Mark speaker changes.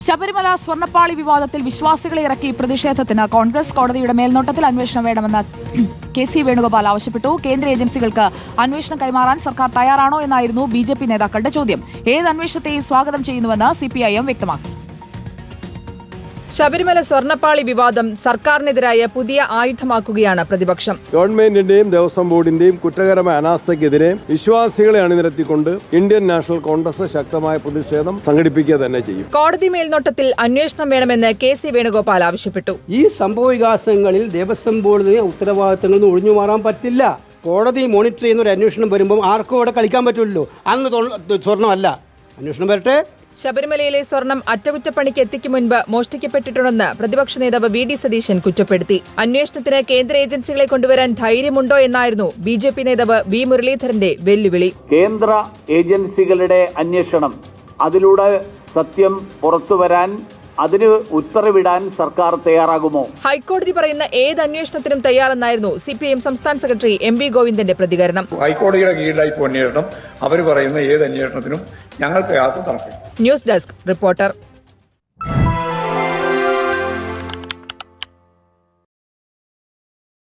Speaker 1: ശബരിമല സ്വർണ്ണപ്പാളി വിവാദത്തിൽ വിശ്വാസികളെ ഇറക്കി പ്രതിഷേധത്തിന് കോൺഗ്രസ് കോടതിയുടെ മേൽനോട്ടത്തിൽ അന്വേഷണം വേണമെന്ന് കെ.സി. വേണുഗോപാൽ ആവശ്യപ്പെട്ടു. കേന്ദ്ര ഏജൻസികൾക്ക് അന്വേഷണം കൈമാറാൻ സർക്കാർ തയ്യാറാണോ എന്നായിരുന്നു ബി.ജെ.പി നേതാക്കളുടെ ചോദ്യം. ഏത് അന്വേഷണത്തെയും സ്വാഗതം ചെയ്യുന്നുവെന്ന് സിപിഐഎം വ്യക്തമാക്കി.
Speaker 2: ശബരിമല സ്വർണ്ണപ്പാളി വിവാദം സർക്കാരിനെതിരായ പുതിയ ആയുധമാക്കുകയാണ് പ്രതിപക്ഷം.
Speaker 3: ഗവൺമെന്റിന്റെയും ദേവസ്വം ബോർഡിന്റെയും കുറ്റകരമായ അനാസ്ഥയ്ക്കെതിരെ വിശ്വാസികളെ അണിനിരത്തിക്കൊണ്ട് ഇന്ത്യൻ നാഷണൽ കോൺഗ്രസ് ശക്തമായ പ്രതിഷേധം സംഘടിപ്പിക്കുക തന്നെ ചെയ്യും.
Speaker 2: കോടതി മേൽനോട്ടത്തിൽ അന്വേഷണം വേണമെന്ന് കെ.സി. വേണുഗോപാൽ ആവശ്യപ്പെട്ടു.
Speaker 4: ഈ സംഭവവികാസങ്ങളിൽ ദേവസ്വം ബോർഡിന് ഉത്തരവാദിത്തങ്ങളിൽ നിന്ന് ഒഴിഞ്ഞു മാറാൻ പറ്റില്ല. കോടതി മോണിറ്റർ ചെയ്യുന്ന ഒരു അന്വേഷണം വരുമ്പോൾ ആർക്കും അവിടെ കളിക്കാൻ പറ്റുമല്ലോ. അന്ന് സ്വർണ്ണമല്ല, അന്വേഷണം വരട്ടെ.
Speaker 2: ശബരിമലയിലെ സ്വർണം അറ്റകുറ്റപ്പണിക്ക് എത്തിക്കും മുൻപ് മോഷ്ടിക്കപ്പെട്ടിട്ടുണ്ടെന്ന് പ്രതിപക്ഷ നേതാവ് വി.ഡി. സതീശൻ കുറ്റപ്പെടുത്തി. അന്വേഷണത്തിന് കേന്ദ്ര ഏജൻസികളെ കൊണ്ടുവരാൻ ധൈര്യമുണ്ടോ എന്നായിരുന്നു ബി.ജെ.പി നേതാവ് വി. മുരളീധരന്റെ വെല്ലുവിളി.
Speaker 5: കേന്ദ്ര ഏജൻസികളുടെ അന്വേഷണം, അതിലൂടെ സത്യം പുറത്തുവരാൻ, അതിന് ഉത്തരവിടാൻ സർക്കാർ തയ്യാറാകുമോ?
Speaker 2: ഹൈക്കോടതി പറയുന്ന ഏത് അന്വേഷണത്തിനും തയ്യാറെന്നായിരുന്നു സിപിഐഎം സംസ്ഥാന സെക്രട്ടറി എം.വി. ഗോവിന്ദന്റെ പ്രതികരണം.
Speaker 6: ഹൈക്കോടതിയുടെ കീഴിലായി അന്വേഷണം, അവർ പറയുന്ന ഏത് അന്വേഷണത്തിനും ഞങ്ങൾക്ക് യാതൊരു തടസ്സമില്ല.
Speaker 2: News desk reporter.